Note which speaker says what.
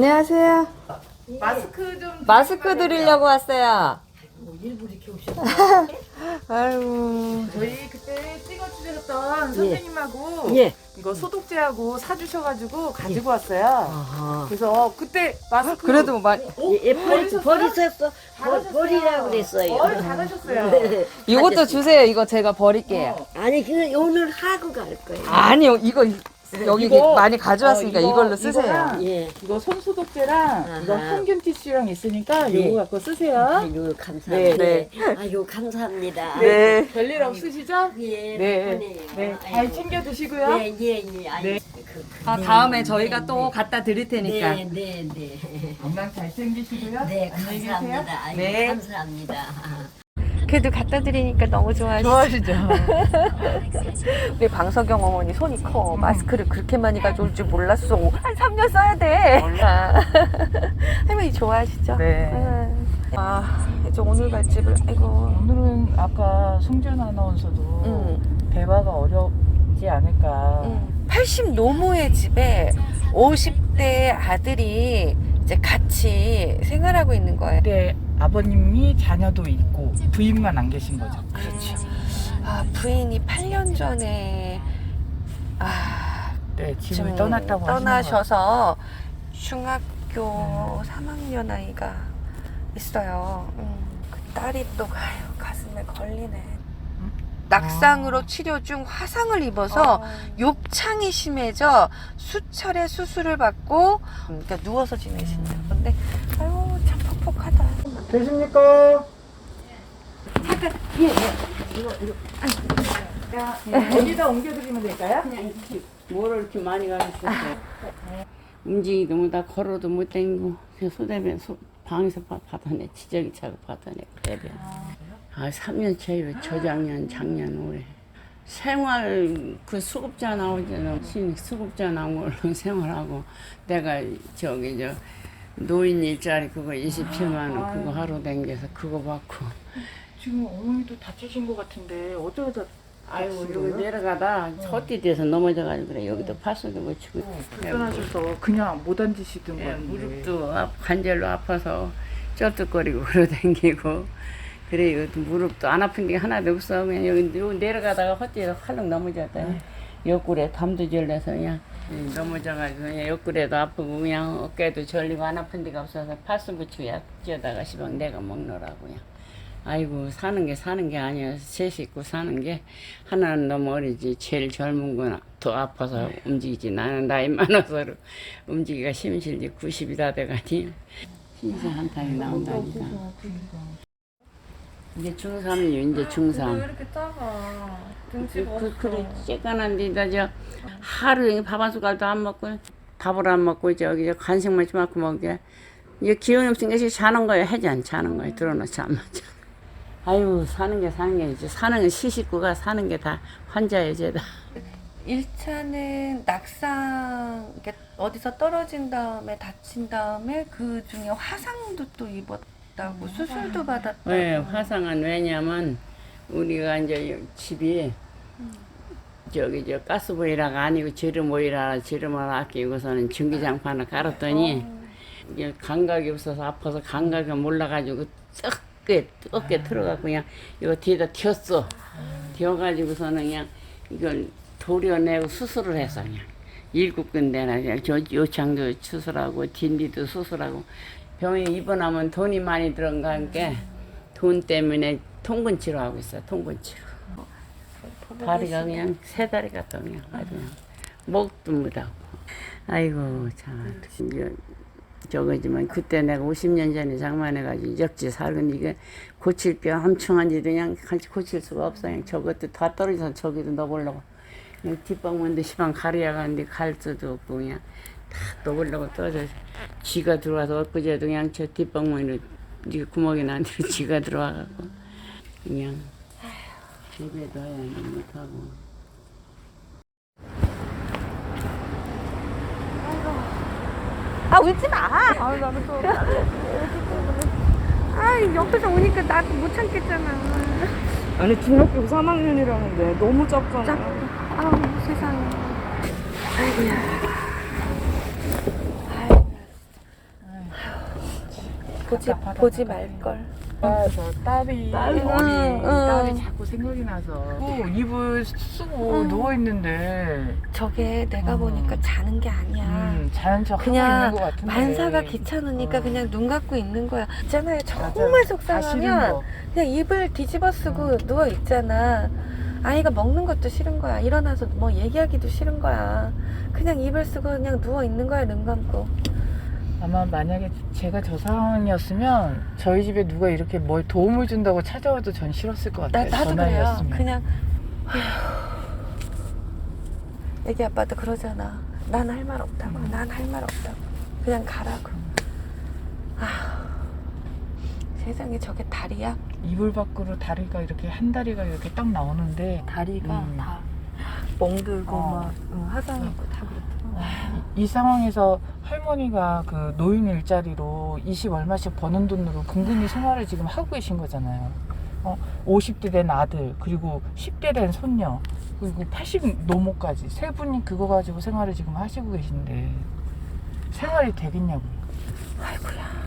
Speaker 1: 안녕하세요. 마스크 드리려고 왔어요.
Speaker 2: 일부러 이렇게 오셨어요?
Speaker 1: 아이고.
Speaker 3: 저희 그때 찍어주셨던 선생님하고 이거 소독제하고 사주셔가지고 가지고 왔어요.
Speaker 1: 아하.
Speaker 3: 그래서 그때 마스크
Speaker 1: 그래도 많이.
Speaker 2: 버리셨어? 버리라고 그랬어요.
Speaker 3: 잘하셨어요.
Speaker 1: 이것도 주세요. 이거 제가 버릴게요.
Speaker 2: 아니, 그냥 오늘 하고 갈 거예요.
Speaker 1: 아니요, 이거 여기
Speaker 3: 이거,
Speaker 1: 많이 가져왔으니까 이걸로 쓰세요.
Speaker 3: 이거랑
Speaker 2: 예.
Speaker 3: 이거 손소독제랑 이거
Speaker 2: 아하.
Speaker 3: 항균 티슈랑 있으니까
Speaker 2: 네.
Speaker 3: 이거 갖고 쓰세요.
Speaker 2: 아유, 감사합니다.
Speaker 1: 네.
Speaker 2: 아유, 감사합니다.
Speaker 1: 네.
Speaker 3: 별일 없으시죠?
Speaker 2: 예,
Speaker 3: 네.
Speaker 2: 덕분에요.
Speaker 3: 네. 잘
Speaker 2: 아이고.
Speaker 3: 챙겨 드시고요.
Speaker 2: 예, 예, 예. 아유,
Speaker 3: 네.
Speaker 1: 다음에 저희가 또 갖다 드릴 테니까.
Speaker 2: 네, 네, 네.
Speaker 3: 건강 잘 챙기시고요.
Speaker 2: 네,
Speaker 3: 안녕히 계세요.
Speaker 2: 감사합니다. 아유,
Speaker 1: 네.
Speaker 2: 감사합니다.
Speaker 1: 그래도 갖다 드리니까 너무 좋아하시죠?
Speaker 3: 좋아하시죠?
Speaker 1: 우리 방석영 어머니 손이 커. 마스크를 그렇게 많이 가져올 줄 몰랐어. 한 3년 써야 돼. 몰라. 할머니 좋아하시죠?
Speaker 3: 네.
Speaker 1: 아, 이제 오늘 갈 집을, 아이고.
Speaker 3: 오늘은 아까 송전 아나운서도 대화가 어렵지 않을까.
Speaker 1: 80 노모의 집에 50대 아들이 이제 같이 생활하고 있는 거예요.
Speaker 3: 그때 아버님이 자녀도 있고 부인만 안 계신 거죠.
Speaker 1: 그렇죠. 아, 부인이 8년 전에
Speaker 3: 네, 집을
Speaker 1: 좀
Speaker 3: 떠났다고
Speaker 1: 떠나셔서 중학교 3학년 아이가 있어요. 그 딸이 또 가슴에 걸리네. 낙상으로 치료 중 화상을 입어서 욕창이 심해져 수차례 수술을 받고 그러니까 누워서 지내신다. 근데 아유 참 퍽퍽하다.
Speaker 3: 계십니까? 어디다 옮겨드리면 될까요?
Speaker 4: 뭐를 이렇게 많이 가르쳤어요. 움직이도 못하 걸어도 못 다니고 소대변 방에서 받아내 지적이 차고 받아내 대변. 3년 차이로 저작년 작년 올해 생활 그 수급자 나오잖아. 수급자 나온 걸로 생활하고 내가 저기 저 노인 일자리 그거 27만 원 그거 하루 댕겨서 그거 받고.
Speaker 3: 지금 어머니도 다치신 것 같은데 어쩌다
Speaker 4: 아이고 여기 내려가다 헛디뎌서 넘어져가지고 그래. 여기도 파손도 못 치고
Speaker 3: 불편하셔서 그냥 못 앉으시던
Speaker 4: 예,
Speaker 3: 건데
Speaker 4: 무릎도 관절로 아파서 쩔뚝거리고 걸어다니고 그래. 이거 무릎도 안 아픈 게 하나도 없어. 그냥 여기 내려가다가 헛디뎌서 활렁 넘어졌다. 옆구리에 담도 절려서 그냥 넘어져가지고 그냥 옆구리도 아프고 그냥 어깨도 절리고 안 아픈 데가 없어서 파스 붙이고 약지어다가 시방 내가 먹노라고 그냥. 아이고 사는 게 아니야. 셋 식구 사는 게 하나는 너무 어리지. 제일 젊은 건 더 아파서 움직이지. 나는 나이 많아서 움직이기가 힘실지. 90이 다 돼가니 신세 한탄이 나온다니까. 이제 중3이요. 이제 중3.
Speaker 1: 왜 이렇게 작아? 등치가
Speaker 4: 그래 쬐깐한 데다 저 하루 종일 밥 한 숟갈도 안 먹고 밥을 안 먹고 저기 저 간식만 좀 갖고 먹게. 이제 기운이 없으니까 자는 거예요. 해지 안 자는 거예요. 들어놓지 안 맞아. 아유 사는 게 이제 사는 게 시식구가 사는 게 다 환자예요. 죄다.
Speaker 1: 1차는 낙상 이렇게 어디서 떨어진 다음에 다친 다음에 그 중에 화상도 또 입었다고 수술도 받았다고.
Speaker 4: 네, 화상은 왜냐면 우리가 이제 집이 저기 저 가스보일러가 아니고 지름을 아끼고서는 전기장판을 깔았더니 이게 감각이 없어서 아파서 감각이 몰라가지고 뜨겁게 들어가고 그냥 이거 뒤에다 튀었어. 튀어가지고서는 그냥 이걸 도려내고 수술을 했어. 그냥 7군데나 그냥 저 요창도 수술하고 딘디도 수술하고 병에 입원하면 돈이 많이 들어가니까 돈 때문에 통근 치료하고 있어. 통근 치료. 다리가 그냥 세 다리가 또 그냥 아주 그냥 목도 못하고. 아이고 참 저거지만 그때 내가 50년 전에 장만해가지고 역지 살건 이게 고칠 뼈 엄청한 데도 그냥 같이 고칠 수가 없어. 그냥 저것도 다 떨어져서 저기도 넣어보려고 그냥 뒷방문도 시방 가려야 가는데 갈 수도 없고 그냥 다 넣어보려고 떨어져. 쥐가 들어와서 엊그제도 그냥 저 뒷방문으로 이 구멍이 난 데로 쥐가 들어와갖고 그냥 집에도 해야 못하고.
Speaker 1: 아 울지 마. 아 나는 또. 아 옆에서 오니까 나도 못 참겠잖아.
Speaker 5: 아니 중학교 3학년이라는데 너무 작잖아.
Speaker 1: 아우 세상에. 아이고야.
Speaker 3: 답답하다.
Speaker 1: 보지 말걸.
Speaker 3: 저 딸이
Speaker 5: 딸이?
Speaker 3: 어린
Speaker 1: 응.
Speaker 3: 딸이 자꾸 생각이 나서 이불 쓰고 누워 있는데
Speaker 1: 저게 내가 보니까 자는 게 아니야.
Speaker 3: 자는 척 하고
Speaker 1: 그냥
Speaker 3: 있는 것 같은데
Speaker 1: 만사가 귀찮으니까 그냥 눈 감고 있는 거야. 있잖아요. 정말
Speaker 3: 다 싫은
Speaker 1: 속상하면
Speaker 3: 거.
Speaker 1: 그냥 이불 뒤집어 쓰고 누워 있잖아. 아이가 먹는 것도 싫은 거야. 일어나서 뭐 얘기하기도 싫은 거야. 그냥 이불 쓰고 그냥 누워 있는 거야. 눈 감고.
Speaker 3: 아마 만약에 제가 저 상황이었으면 저희 집에 누가 이렇게 뭘 도움을 준다고 찾아와도 전 싫었을 것 같아요.
Speaker 1: 나도
Speaker 3: 저
Speaker 1: 그래요.
Speaker 3: 나이였으면.
Speaker 1: 그냥 애기 아빠도 그러잖아. 난 할 말 없다고. 난 할 말 없다고. 그냥 가라고. 세상에 저게 다리야?
Speaker 3: 이불 밖으로 다리가 이렇게 한 다리가 이렇게 딱 나오는데
Speaker 1: 다리가
Speaker 3: 다
Speaker 1: 멍들고
Speaker 3: 막,
Speaker 1: 화상이고 다 그렇더라고.
Speaker 3: 이 상황에서 할머니가 그 노인 일자리로 20 얼마씩 버는 돈으로 근근히 생활을 지금 하고 계신 거잖아요. 50대 된 아들, 그리고 10대 된 손녀, 그리고 80 노모까지 세 분이 그거 가지고 생활을 지금 하시고 계신데 생활이 되겠냐고요.
Speaker 1: 아이고야.